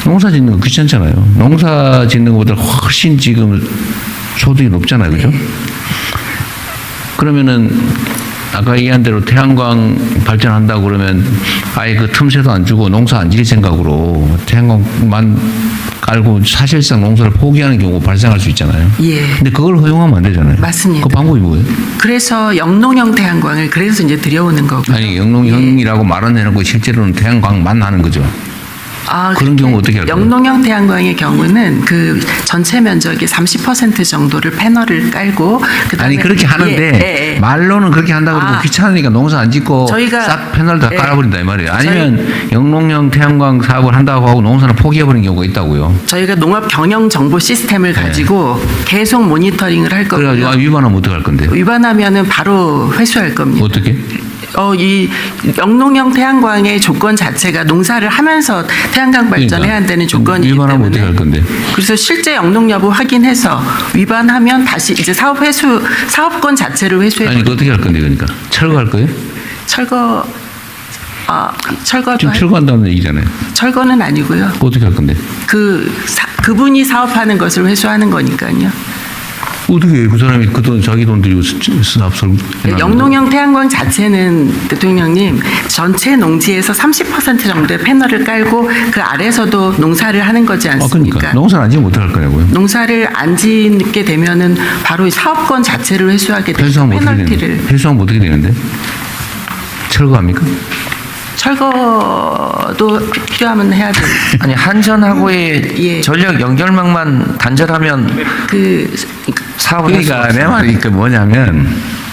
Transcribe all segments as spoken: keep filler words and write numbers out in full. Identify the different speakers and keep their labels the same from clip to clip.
Speaker 1: 농사 짓는 거 귀찮잖아요. 농사 짓는 것보다 훨씬 지금 소득이 높잖아요. 그죠? 그러면은 아까 얘기한 대로 태양광 발전한다고 그러면 아예 그 틈새도 안 주고 농사 안 지을 생각으로 태양광만 깔고 사실상 농사를 포기하는 경우가 발생할 수 있잖아요.
Speaker 2: 예.
Speaker 1: 근데 그걸 허용하면 안 되잖아요.
Speaker 2: 맞습니다.
Speaker 1: 그 방법이 뭐예요?
Speaker 2: 그래서 영농형 태양광을 그래서 이제 들여오는 거고요.
Speaker 1: 아니 영농형이라고 말은 해놓고 실제로는 태양광만 하는 거죠.
Speaker 2: 아,
Speaker 1: 그런 경우 어떻게 할까요?
Speaker 2: 영농형 태양광의 경우는 그 전체 면적의 삼십 퍼센트 정도를 패널을 깔고 그다음에
Speaker 1: 아니 그렇게 하는데
Speaker 2: 예, 예, 예.
Speaker 1: 말로는 그렇게 한다 그러고
Speaker 2: 아,
Speaker 1: 귀찮으니까 농사 안 짓고
Speaker 2: 저희가-
Speaker 1: 싹 패널 다
Speaker 2: 예.
Speaker 1: 깔아버린다 이 말이에요. 아니면 영농형 태양광 사업을 한다고 하고 농사를 포기해버리는 경우가 있다고요.
Speaker 2: 저희가 농업 경영 정보 시스템을
Speaker 1: 네.
Speaker 2: 가지고 계속 모니터링을 할
Speaker 1: 그래가지고 아,
Speaker 2: 거고요.
Speaker 1: 위반하면 어떡할 건데?
Speaker 2: 위반하면은 바로 회수할 겁니다.
Speaker 1: 어떻게?
Speaker 2: 어, 이 영농형 태양광의 조건 자체가 농사를 하면서 태양광 발전해야 한다는 조건이기
Speaker 1: 위반하면
Speaker 2: 때문에
Speaker 1: 어떻게 할 건데?
Speaker 2: 그래서 실제 영농 여부 확인해서 위반하면 다시 이제 사업 회수 사업권 자체를 회수해
Speaker 1: 아니 그 어떻게 할 건데 그러니까 철거할 거예요?
Speaker 2: 철거 아 철거도
Speaker 1: 지금
Speaker 2: 할-
Speaker 1: 철거한다는 얘기잖아요.
Speaker 2: 철거는 아니고요.
Speaker 1: 그거 어떻게 할 건데?
Speaker 2: 그 사, 그분이 사업하는 것을 회수하는 거니까요.
Speaker 1: 어떻게 그 사람이 그 돈 자기 돈 들이고 사업설
Speaker 2: 영농형 태양광 자체는 대통령님 전체 농지에서 삼십 퍼센트 정도의 패널을 깔고 그 아래서도 농사를 하는 거지
Speaker 1: 아
Speaker 2: 않습니까?
Speaker 1: 그러니까 농사를 안 지면 어떡할 거냐고요?
Speaker 2: 농사를 안 짓게 되면은 바로 이 사업권 자체를 회수하게 되죠.
Speaker 1: 회수하면 어떻게
Speaker 2: 페널티를.
Speaker 1: 되는데? 회수하면 어떻게 되는데? 철거합니까?
Speaker 2: 철거도 피- 필요하면 해야 돼요.
Speaker 3: 아니 한전하고의
Speaker 2: 예.
Speaker 3: 전력 연결망만 단절하면
Speaker 2: 그
Speaker 3: 사업을 할
Speaker 1: 그러니까
Speaker 3: 수가
Speaker 1: 내
Speaker 3: 없어요.
Speaker 1: 말이 그 뭐냐면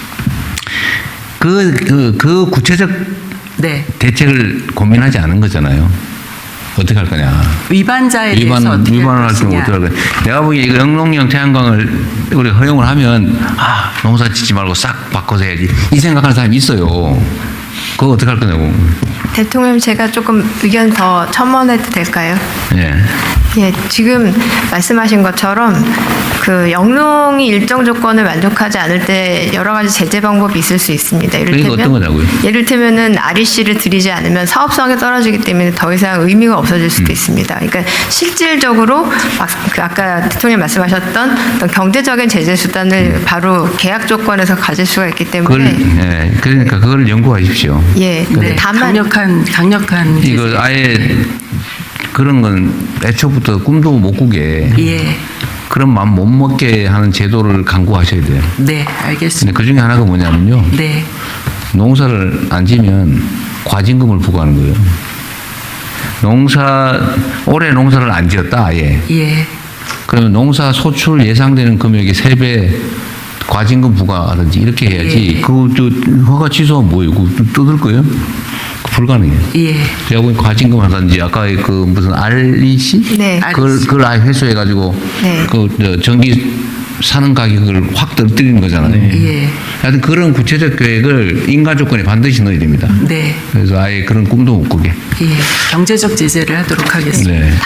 Speaker 1: 그, 그, 그 구체적
Speaker 2: 네.
Speaker 1: 대책을 고민하지 않은 거잖아요. 어떻게 할 거냐.
Speaker 2: 위반자에
Speaker 1: 위반,
Speaker 2: 대해서 어떻게
Speaker 1: 위반을
Speaker 2: 할
Speaker 1: 할 경우
Speaker 2: 것이냐.
Speaker 1: 어떻게 할 거냐. 내가 보기에 이거 영농형 태양광을 우리 허용을 하면 아, 농사 짓지 말고 싹 바꿔서 해야지. 이 생각하는 사람이 있어요. 그거 어떻게 할 거냐고.
Speaker 4: 대통령 제가 조금 의견 더 첨언해도 될까요?
Speaker 1: 예.
Speaker 4: 예, 지금 말씀하신 것처럼 그 영농이 일정 조건을 만족하지 않을 때 여러 가지 제재 방법이 있을 수 있습니다.
Speaker 1: 그러니까 어떤 거냐고요?
Speaker 4: 예를테면은 알이씨를 들이지 않으면 사업성이 떨어지기 때문에 더 이상 의미가 없어질 수도
Speaker 1: 음.
Speaker 4: 있습니다. 그러니까 실질적으로 막 그 아까 대통령 말씀하셨던 어떤 경제적인 제재 수단을 바로 계약 조건에서 가질 수가 있기
Speaker 1: 음. 그걸,
Speaker 4: 때문에
Speaker 1: 예. 그러니까 그걸 연구하십시오.
Speaker 4: 예,
Speaker 2: 네.
Speaker 4: 다만
Speaker 2: 강력한 강력한
Speaker 1: 이거 아예 그런 건 애초부터 꿈도 못 꾸게
Speaker 2: 예.
Speaker 1: 그런 마음 못 먹게 하는 제도를 강구하셔야 돼요.
Speaker 2: 네,
Speaker 1: 근데
Speaker 2: 알겠습니다.
Speaker 1: 그 중에 하나가 뭐냐면요.
Speaker 2: 네.
Speaker 1: 농사를 안 지면 과징금을 부과하는 거예요. 농사, 올해 농사를 안 지었다, 아예.
Speaker 2: 예.
Speaker 1: 그러면 농사 소출 예상되는 금액의 세 배 과징금 부과하든지 이렇게 해야지.
Speaker 2: 예.
Speaker 1: 그것도 허가 취소하면 뭐예요? 그거 뜯을 거예요? 불가능해요.
Speaker 2: 예.
Speaker 1: 제가 보기엔 과징금 하든지 아까 그 무슨 알이씨?
Speaker 4: 네.
Speaker 1: 그걸,
Speaker 2: 알이씨.
Speaker 1: 그걸 아예 회수해가지고
Speaker 4: 네.
Speaker 1: 그 저 전기 사는 가격을 확 떨어뜨리는 거잖아요.
Speaker 2: 예.
Speaker 1: 하여튼 그런 구체적 계획을 인가 조건에 반드시 넣어야 됩니다.
Speaker 2: 네.
Speaker 1: 그래서 아예 그런 꿈도 못 꾸게.
Speaker 2: 예. 경제적 제재를 하도록 하겠습니다.
Speaker 1: 네.